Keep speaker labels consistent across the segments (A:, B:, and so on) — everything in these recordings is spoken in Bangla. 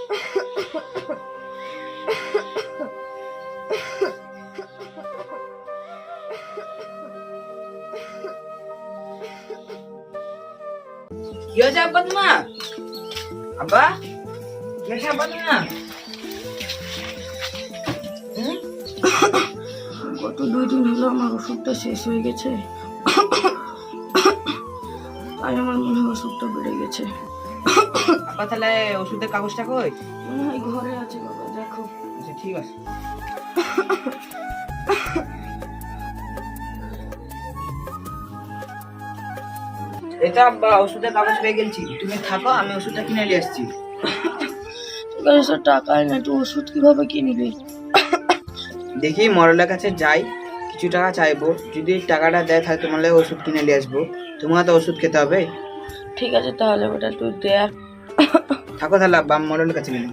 A: কি হয়েছে আব্বা তোমার? আব্বা কি হয়েছে আব্বা তোমার?
B: গত 2 দিন হলো আমার ওষুধটা শেষ হয়ে গেছে, তাই আমার মনে হয় ওষুধটা বেড়ে গেছে।
A: আব্বা তাহলে ওষুধের কাগজটা কই?
B: মনে হয় ঘরে আছে বাবা, দেখো।
A: আচ্ছা ঠিক আছে। এটা আব্বা ওষুধের কাগজ পেয়ে গেছি, তুমি থাকো, আমি ওষুধটা কিনে নিয়ে আসছি।
B: ঠিক আছে স্যার, টাকাই না, তুই ওষুধ কিভাবে কিনবি?
A: দেখি মরলের কাছে যাই, কিছু টাকা চাইবো, যদি টাকাটা দেয় তাহলে তোমার লাগে ওষুধ কিনে নিয়ে আসবো। তোমার তো ওষুধ খেতে হবে।
B: ঠিক আছে তাহলে বেটা তুই দেখ।
A: থাকো তাহলে আব্বা, আমি মরলের কাছে গেলাম।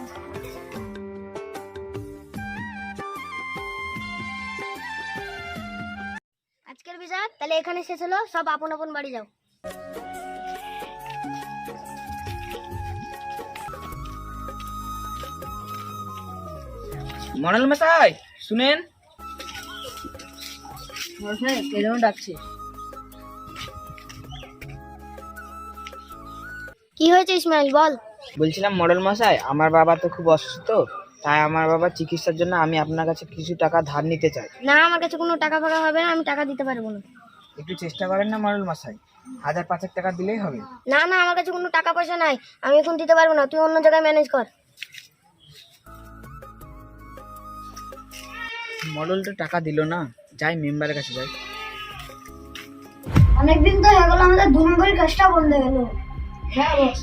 C: আজকের বিচার তাহলে এখানে শেষ হলো, সব আপন আপন বাড়ি যাও।
A: মরল মশাই শুনেন।
B: ডাকছে।
C: কি হয়েছে ইসমাইল, বল।
A: বলছিলাম মডেল মশাই, আমার বাবা তো খুব অসুস্থ, তাই আমার বাবার চিকিৎসার জন্য আমি আপনার কাছে কিছু টাকা ধার নিতে চাই।
C: না, আমার কাছে কোনো টাকা ফাঁকা হবে না, আমি টাকা দিতে পারবো না।
A: একটু চেষ্টা করেন না মডেল মশাই, 1000-5 টাকা দিলেই হবে।
C: না না, আমার কাছে কোনো টাকা পয়সা নাই, আমি এখন দিতে পারবো না, তুই অন্য জায়গায় ম্যানেজ কর।
A: মডেলটা টাকা দিল না, যাই মেম্বারের কাছে যাই।
C: অনেকদিন তো হয়ে গেল আমাদের 2 নম্বরের কাজটা বন্ধ হয়ে গেল। হ্যাঁ বস।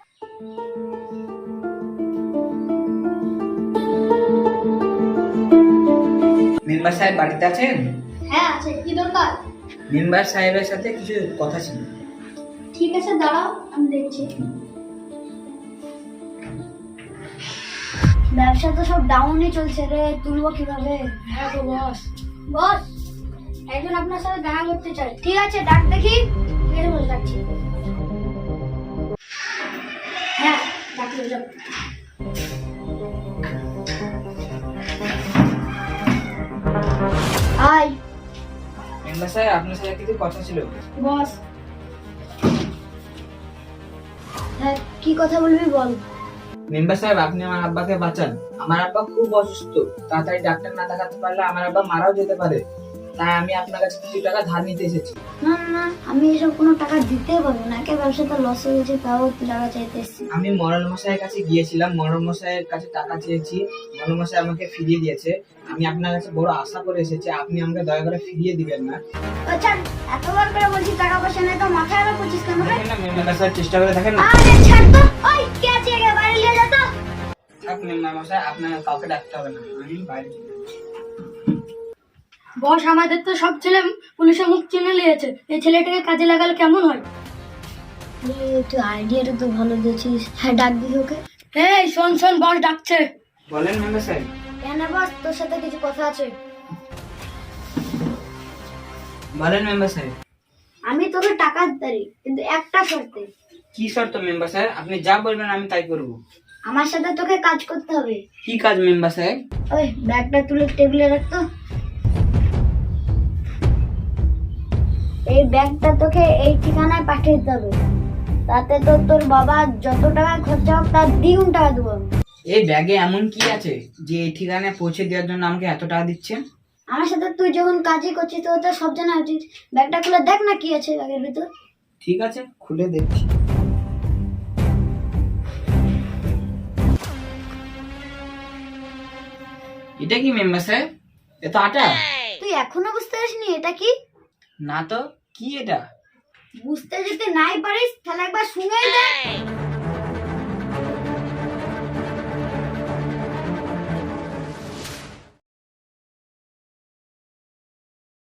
A: মেম্বার সাহেব বাড়িতে আছেন?
C: হ্যাঁ আছে, কি দরকার?
A: মেম্বার সাহেবের সাথে কিছু কথা ছিল।
C: ঠিক আছে দাঁড়াও, আমি দেখছি। ব্যবসা তো সব ডাউনই চলছে রে, তুলবো কিভাবে? হ্যাঁ তো বস। বস, একজন আপনার সাথে দেখা করতে চাই। ঠিক আছে, ডাক দেখি। ঠিক আছে বস, ডাকছি। হ্যাঁ ডাকলে যাও। হাই
A: মেম্বার সাহেব আপনার সাথে কিছু কথা ছিল।
C: বস। হ্যাঁ কি কথা বলবি বল।
A: মেম্বার সাহেব আপনি আমার আব্বাকে বাঁচান, আমার আব্বা খুব অসুস্থ, তাড়াতাড়ি ডাক্তার না দেখাতে পারলে আমার আব্বা মারাও যেতে পারে, তাই আমি আপনার কাছে কিছু টাকা ধার নিতে এসেছি।
C: না না, আমি এসব কোনো টাকা দিতে পারবো না, কে ব্যবসাটা লস হয়ে গেছে তাও টাকা চাইতে এসেছি।
A: আমি মরল মশাইয়ের কাছে গিয়েছিলাম, মরল মশাইয়ের কাছে টাকা চেয়েছি, মরল মশাই আমাকে ফিরিয়ে দিয়েছে। আমি আপনার কাছে বড় আশা করে এসেছি, আপনি আমাকে দয়া করে ফিরিয়ে দিবেন না।
C: আচ্ছা, এতবার করে বলছি টাকা পয়সা নেই, তো মাথায় আরো 25 কেন রে?
A: দেখেন না মেম্বার সাহেব, চেষ্টা করে দেখেন না।
C: আরে ছাড় তো, ওই কে আছে একে বাইরে নিয়ে যা তো।
A: থাক মেম্বার মশাই, আপনার কাউকে ডাকতে হবে না, আমি বাইরে চলে যাচ্ছি।
C: বস, আমাদের তো সব ছেলে পুলিশের মুখ চিনে নিয়েছে, এই ছেলেটাকে কাজে লাগালে কেমন হয়? তুই আইডিয়াটা তো ভালো দিয়েছিস। হ্যাঁ ডাক দিই ওকে। এই শোন শোন, বস ডাকছে।
A: বলেন মেম্বার সাহেব।
C: কেন বস, তোর সাথে কিছু কথা আছে।
A: বলেন মেম্বার সাহেব।
C: আমি তোকে টাকা দিতে পারি, কিন্তু একটা শর্তে।
A: কি শর্ত মেম্বার সাহেব? আপনি যা বলবেন আমি তাই করব।
C: আমার সাথে তোকে কাজ করতে হবে।
A: কি কাজ মেম্বার সাহেব?
C: ওই ব্যাগটা তুলে টেবিলে রাখতো। এই ব্যাগটা তোকে এই ঠিকানায় পাঠিয়ে দিতে হবে, তাতে তো তোর বাবা যত টাকা খরচা হোক তার 2 টাকা দেবো।
A: এই ব্যাগে এমন কি আছে যে এই ঠিকানায় পৌঁছে দেওয়ার জন্য আমাকে এত টাকা দিচ্ছেন?
C: আমার সাথে তুই যখন কাজই করছিস তো তোর সব জানা উচিত। ব্যাগটা খুলে দেখ না কি আছে ব্যাগের ভিতর।
A: ঠিক আছে, খুলে দেখছি। এটা কি মেম্বার সাহেব? এটা আটা?
C: তুই এখনো বুঝতে পারিসনি এটা কি?
A: না তো, কি এটা?
C: বুঝতে যদি নাই পারিস তাহলে একবার শুনেই দেখ।